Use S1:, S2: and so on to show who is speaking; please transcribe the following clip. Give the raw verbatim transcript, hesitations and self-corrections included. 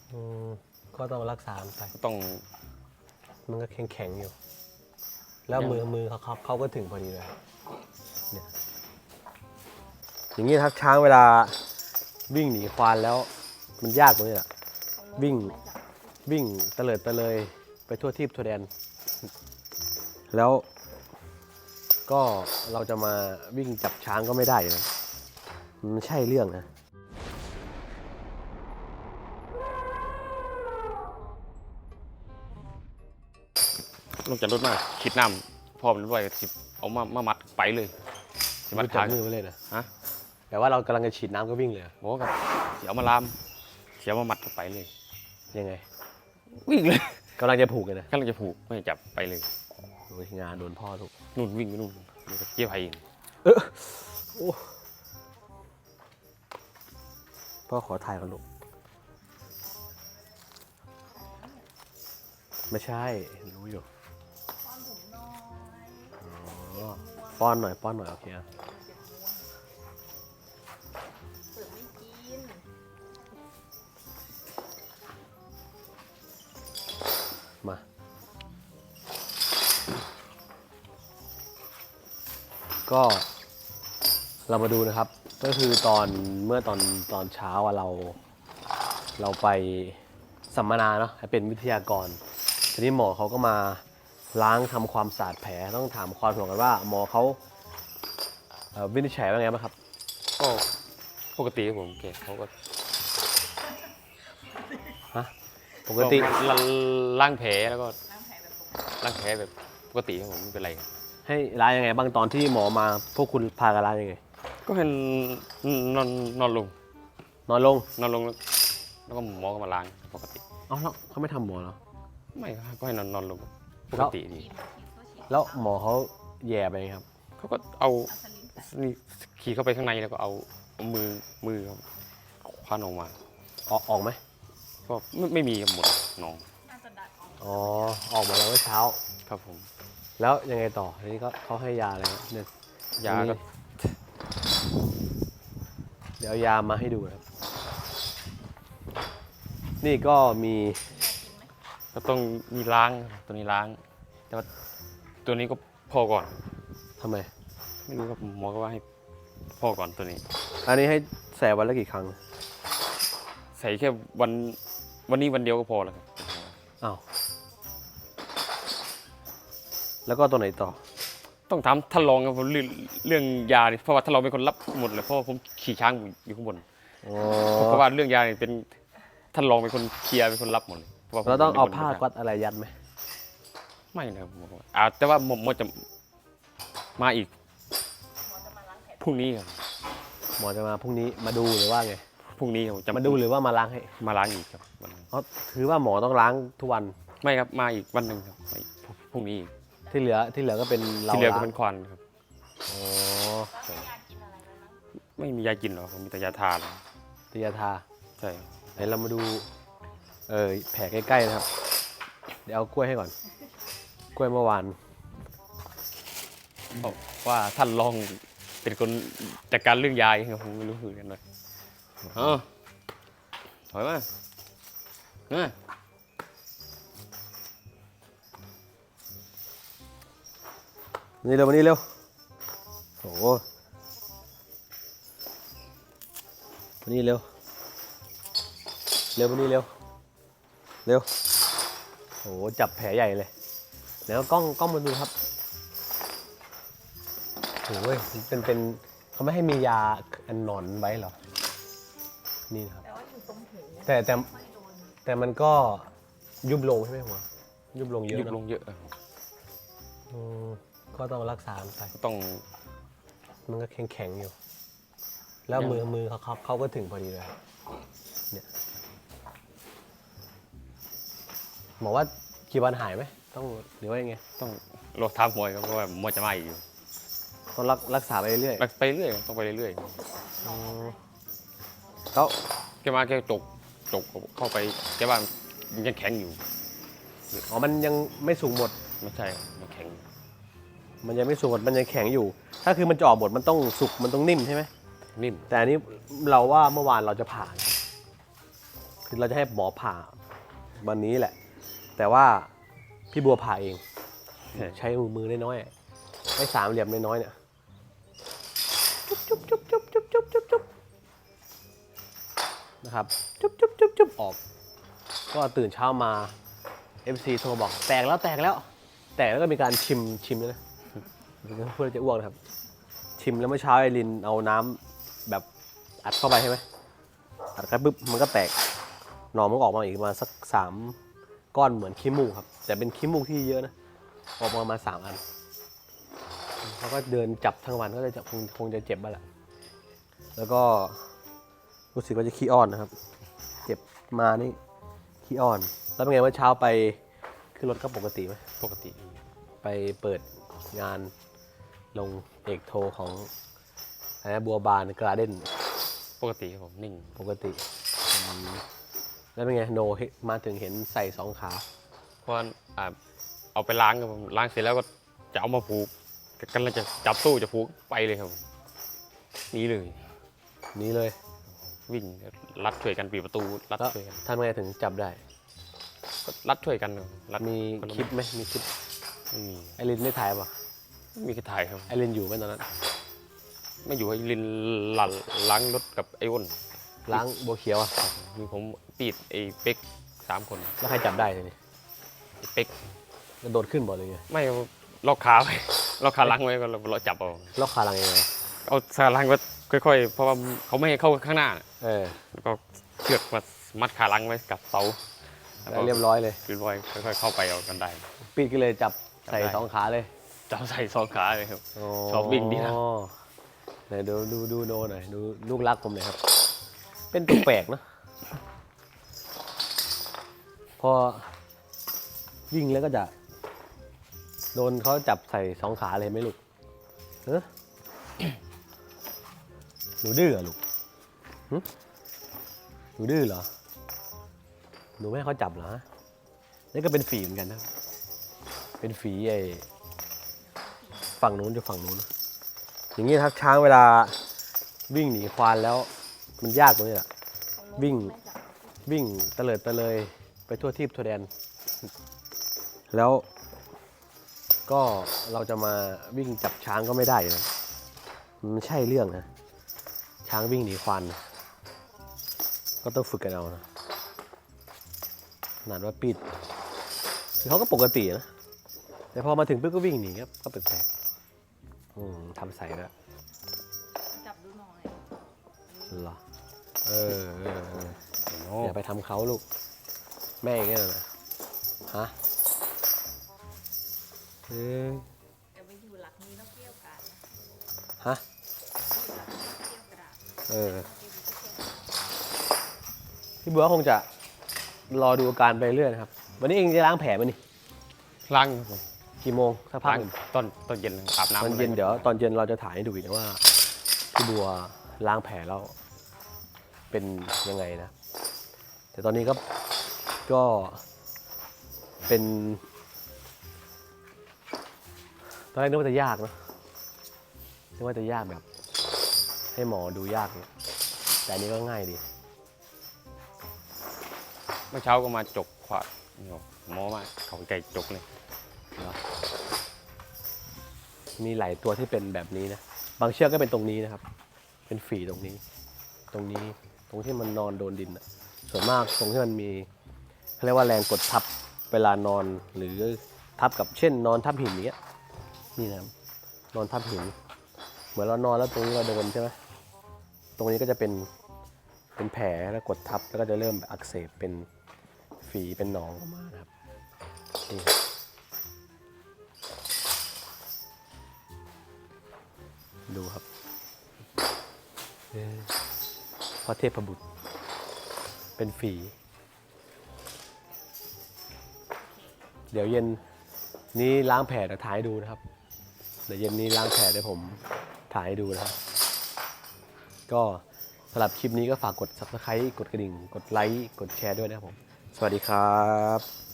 S1: อืมก็ต้องรักษามันไป
S2: ก็ต้อง
S1: มันก็แข็งแข็งอยู่ แล้วมือมือเขาเขาเขาก็ถึงพอดีเลยเนี่ยอย่างนี้ครับช้างเวลาวิ่งหนีควานแล้วมันยากตรงนี้แหละวิ่งวิ่งเตลิดเตะเลยไปทั่วทิพย์ทั่วแดน แล้วก็เราจะมาวิ่งจับช้างก็ไม่ได้นะมันไม่ใช่เรื่องนะ
S2: ลงจากรถมาคิดน้ำพอมันด้วยสิเอามามามัดไปเลยสิมัด
S1: จั
S2: ขา
S1: บมือไปเลยนะ
S2: ฮะ
S1: แต่ว่าเรากำลังจะฉีดน้ำก็วิ่งเลย
S2: บอกกับเสียวมาลามเสียวมามัดไปเลย
S1: ยังไง
S2: วิ่งเลย
S1: กำลังจะผูกเลยนะ
S2: กำลังจะผูกไม่ให้จับไปเลย
S1: โอ้ยงานโดนพ่อทุก
S2: นู่นวิ่งไปนู่นอยู่กับเจี๊ยบไผ่
S1: เออโอ้พ่อขอถ่ายกันลูกไม่ใช่รู้อยู่อ๋อป้อนหน่อยป้อนหน่อยโอเคอะ
S3: เปิดไม่กิน
S1: มาก็เรามาดูนะครับ ก็คือตอนเมื่อตอนตอนเช้าอะเรา เราไปสัมมนาเนาะเป็นวิทยากรทีนี้หมอเขาก็มาล้างทำความสะอาดแผลต้องถามความห่วงกันว่าหมอเขาเอ่อวินิจฉัยว่าไงบ้างครับ
S2: ก็ปกติครับผมแกเขาก็
S1: ฮะปกติ
S2: ก็ล้างแผลแล้วก็
S3: ล้างแผลแบบปกติ
S2: ล้างแผลแบบปกติครับผมไม่เป็นไรครับ
S1: ให้ล้างยังไงบ้างตอนที่หมอมาพวกคุณพากันล้างยังไง
S2: ก็ให้นอนนอนลง
S1: นอนลง
S2: นอนลงแล้วแล้วก็หมอก็มาล้างปกติ
S1: เอ้าแล้วเขาไม่ทำหมอเหรอ
S2: ไม่ครับก็ให้นอนนอนลงป
S1: แล้
S2: ก
S1: ว
S2: ติดี
S3: กินเขาฉีด
S1: แล้วหมอเขาแย่ไปไงครับ
S2: เขาก็เอา
S3: อัสลินใส่
S2: นี่ขี่เข้าไปข้างในแล้วก็เอาเอามือมือครับคว้านออกมา
S1: ออกออกไหม
S2: ก็ไม่ไม่มีครับหมดหนอง
S3: น่าจะดัดออก
S1: อ๋อออกมาแล้วเมื่อเช้า
S2: ครับผม
S1: แล้วยังไงต่อทีนี้ก็เขาให้ยาอะไรครับเนี่ย
S2: ยาก็
S1: เดี๋ยวเอายามาให้ดูนะครับนี่ก็มี
S2: ก็ต้องมีล้างครับตัวนี้ล้าง แต่ว่าตัวนี้ก็พอก่อน
S1: ทำไม
S2: ไม่รู้ครับหมอก็ว่าให้พอก่อนตัวนี้
S1: อันนี้ให้ใส่วันละกี่ครั้ง
S2: ใส่แค่วันวันนี้วันเดียวก็พอแล้วครับ
S1: อ้าวแล้วก็ตัวไหนต่อ
S2: ต้องถามท่านรองครับผมเรื่องเรื่องยาเนี่ยเพราะว่าท่านรองเป็นคนรับหมดเลยเพราะว่าผมขี่ช้างอยู่ข้างบน
S1: อ๋อ
S2: เพราะว่าเรื่องยาเนี่ยเป็นท่านรองเป็นคนเคลียร์เป็นคนรับหมดเลยพะว่ผม
S1: เราต้องเอา
S2: ป็นคน
S1: ผ้ากัดอะไรยัดไหม
S2: ไม่นะครับหมอบอกอ่าแต่ว่าหมอหมอจะมาอีก
S3: หมอจะมาล้างแผล
S2: พรุ่งนี้ครับ
S1: หมอจะมาพรุ่งนี้มาดูหรือว่าไง
S2: พรุ่งนี้ผมจะ
S1: มาดูหรือว่ามาล้างให้
S2: มาล้างอีกครับวันนั้น
S1: เพราะถือว่าหมอต้องล้างทุกวัน
S2: ไม่ครับมาอีกวันหนึ่งครับมาอีกพรุ่งนี้อีก
S1: ที่เหลือที่เหลือก็เป็นเรา
S2: ที่เหลือก็
S1: ล้าง
S2: เป็นควันครับ
S1: อ๋อ
S3: แล้วให้ยากินอะไรไหมมั้ง
S2: ไม่มียากินหรอกผมมีแต่ยาทาเลย
S1: ตียาทา
S2: ใช่ครับ
S1: ไหนเรามาดูเออแผลใกล้ๆนะครับ เดี๋ยวเอากล้วยให้ก่อน กล้วยเมื่อวาน
S2: บอกว่าท่านรองเป็นคนจัดการเรื่องยาเองครับผมไม่รู้เหมือนกันเลยอ๋อถอยมาเออ
S1: นี่เร็วมานี่เร็วโอ้โหมานี่เร็ว เร็วมานี่เร็ว เร็วโอ้โหจับแผลใหญ่เลยแล้วกล้องกล้องมาดูครับโอ้ยมันเป็นเป็นเขาไม่ให้มียาอันหนอนไว้เหรอ นี่นะครับ
S3: แต่ว่าอยู่ตรงหู
S1: แต่แต่
S3: ไม่โดน
S1: แต่มันก็ยุบลงใช่ไหมหัวยุบลงเยอะ
S2: ยุบ
S1: นะ
S2: ลงเยอะครับ
S1: อืมก็ต้องรักษามันไป
S2: ก็ต้อง
S1: มันก็แข็งแข็งๆอยู่ แล้วมือมือเขาเขาเขาก็ถึงพอดีเลยเนี่ยหมอว่ากี่วันหายไหมต้องหรือว่ายังไง
S2: ต้องรอท้ามหมวยครับเพราะว่าหมวยจะมาอีกอยู่
S1: ต้องรักรักษาไปเรื่อย
S2: ไปเรื่อยครับต้องไปเรื่อย
S1: ๆอืมแล้ว
S2: ๆแกมาแกจกจกเข้าไปแกว่ามันยังแข็งอยู่
S1: อ๋อมันยังไม่สุกหมด
S2: ไม่ใช่ครับมันแข็งอยู่
S1: มันยังไม่สุกหมดมันยังแข็งอยู่ ถ้าคือมันจะออกหมดมันต้องสุกมันต้องนิ่มใช่ไหม
S2: นิ่ม
S1: แต่อันนี้เราว่าเมื่อวานเราจะผ่านคือเราจะให้หมอผ่าวันนี้แหละ แต่ว่าพี่บัวผ่าเองใช้มือมือน้อยๆไม่สามเหลี่ยมน้อยๆเนี่ยจุ๊บจุ๊บจุ๊บจุ๊บจุ๊บจุ๊บจุ๊บนะครับจุ๊บจุ๊บจุ๊บจุ๊บออกก็ตื่นเช้ามา เอฟ ซี โทรบอกแตกแล้วแตกแล้ว แตกแล้วก็มีการชิมชิมด้วยนะเพื่อจะอ้วกนะครับ ชิมแล้วเมื่อเช้าไอรินเอาน้ำแบบอัดเข้าไปใช่ไหมอัดเข้าไปปุ๊บมันก็แตกหนอนมันก็ออกมาอีกประมาณสักสามก้อนเหมือนขี้มูกครับ แต่เป็นขี้มูกที่เยอะนะออกมาประมาณสามอันเขาก็เดินจับทั้งวันก็เลยจะคงคงจะเจ็บบ้างแหละแล้วก็รู้สึกว่าจะขี้อ้อนนะครับ เจ็บมานี่ขี้อ้อน แล้วเป็นไงเมื่อเช้าไปขึ้นรถก็ปกติไหม
S2: ปกติ
S1: ไปเปิดงานลงเอกโทของอะไรนะบัวบานกราเด้น
S2: ปกติครับผมนิ่ง
S1: ปกติอืมแล้วเป็นไงโนมาถึงเห็นใส่สองขา
S2: เพราะว่าอ่าเอาไปล้างครับผมล้างเสร็จแล้วก็จะเอามาผูกกำลังจะจับตู้จะผูกไปเลยครับผมหนี่เลย
S1: นี้เลย
S2: วิ่งรัดช่วยกันปิดประตูรัด
S1: แล้ว
S2: ช่วยกัน
S1: ท่านไงถึงจับได้
S2: ก็รัดช่วยกันครับรัด
S1: มี
S2: นละ
S1: คลิปไหมมีคลิป
S2: ไม่มี
S1: ไอรินได้ถ่ายป่ะ
S2: ไม่มีใครถ่ายครับ
S1: ไอรินอยู่ไหมตอนนั้น
S2: ไม่อยู่ให้ลินหลันล้างรถกับไอ้อ้น
S1: ล้างบัวเขียวอ่ะ
S2: มีผมปีดไอ้เป๊กสามคน
S1: แล้วใครจับได้ทีนี้
S2: ไอ้เป๊ก
S1: กระโดดขึ้นบ่เลยไง
S2: ไม่ล็อกขาไว้ล็อกขาล้างไว้ก็เราจับเอา
S1: ล็อกขาลังยังไง
S2: เอาขาล้างไว้ค่อยๆเพราะว่าเขาไม่ให้เข้าข้างหน้า
S1: เออ
S2: แล้วก็เชือกมามัดขาล้างไว้กับเสา
S1: แล้วเรียบร้อยเลย
S2: เรียบร้อยค่อยๆเข้าไปเอากันได้
S1: ปีดก็เลยจับใส่
S2: จับได้
S1: สองขาเลย
S2: จับใส่สองขาเลยครับ ชอบวิ่งดีนะ
S1: ไหนดูดูดูโนหน่อยดูลูกรักผมหน่อยครับ เป็นตัวแปลกนะพอวิ่งแล้วก็จะโดนเขาจับใส่สองขาเลยไหมลูกเออหนูดื้อเหรอลูกหึหนูดื้อเหรอหนูไม่ให้เขาจับเหรอฮะนี่ก็เป็นฝีเหมือนกันนะเป็นฝีไอ้ฝั่งนู้นจะฝั่งนู้นนะอย่างนี้ครับช้างเวลาวิ่งหนีควานแล้วมันยากตรงนี้แหละ วิ่ง วิ่งเตลิดเตะเลยไปทั่วทิพย์ทั่วแดน แล้วก็เราจะมาวิ่งจับช้างก็ไม่ได้นะมันไม่ใช่เรื่องนะช้างวิ่งหนีควานนะก็ต้องฝึกกันเอานะขนาดว่าปิดคือเขาก็ปกตินะแต่พอมาถึงปุ๊บก็วิ่งหนีครับก็แปลกๆอืมทำใส่แล้ว
S3: จับดูหน่อย
S1: เหรอเออเออเออ
S2: โอ้
S1: อย่าไปทำเขาลูก แม่อย่างเงี้ยนะฮะเออ
S3: จะไปอยู่หลักนี้ต้องเกี่ยวกันนะ
S1: ฮะ
S3: อยู่หลักนี้ต้องเกี่ยวกระดาษ
S1: เออ
S3: เกี่ยวที่เกี่ยว
S1: พี่บัวคงจะรอดูอาการไปเรื่อยนะครับ วันนี้เองจะล้างแผลไหมนี่
S2: ล้างครับผม
S1: กี่โมงสักพัก
S2: ล้าง
S1: หนึ่ง
S2: ตอนตอนเย็นอาบน้ำ
S1: ตอนเย็นเดี๋ยวตอนเย็นเราจะถ่ายให้ดูอีกนะว่าพี่บัวล้างแผลแล้วเป็นยังไงนะ แต่ตอนนี้ก็ก็เป็นตอนแรกนึกว่าจะยากนะนึกว่าจะยากแบบ ให้หมอดูยากเนี่ยแต่อันนี้ก็ง่ายดี
S2: เมื่อเช้าก็มาจกขวาดหมอมาเขาไก่จกเลย
S1: มีหลายตัวที่เป็นแบบนี้นะ บางเชือกก็เป็นตรงนี้นะครับ เป็นฝีตรงนี้ ตรงนี้ ตรงที่มันนอนโดนดินอะส่วนมากตรงที่มันมีเขาเรียกว่าแรงกดทับเวลานอนหรือทับกับเช่น นอนทับหินอย่างเงี้ย นี่นะครับนอนทับหิน เหมือนเรานอนแล้วตรงนี้เราโดนใช่ไหมตรงนี้ก็จะเป็นเป็นแผลแล้วกดทับแล้วก็จะเริ่มอักเสบเป็นฝีเป็นหนองออกมานะครับนี่ดูครับเอ่อพระเทพบุตร เป็นฝี เดี๋ยวเย็นนี้ล้างแผลเดี๋ยวถ่ายให้ดูนะครับ เดี๋ยวเย็นนี้ล้างแผลเดี๋ยวผมถ่ายให้ดูนะครับ ก็สำหรับคลิปนี้ก็ฝากกด ซับสไครบ์ กดกระดิ่ง กดไลค์ กดแชร์ด้วยนะครับผม สวัสดีครับ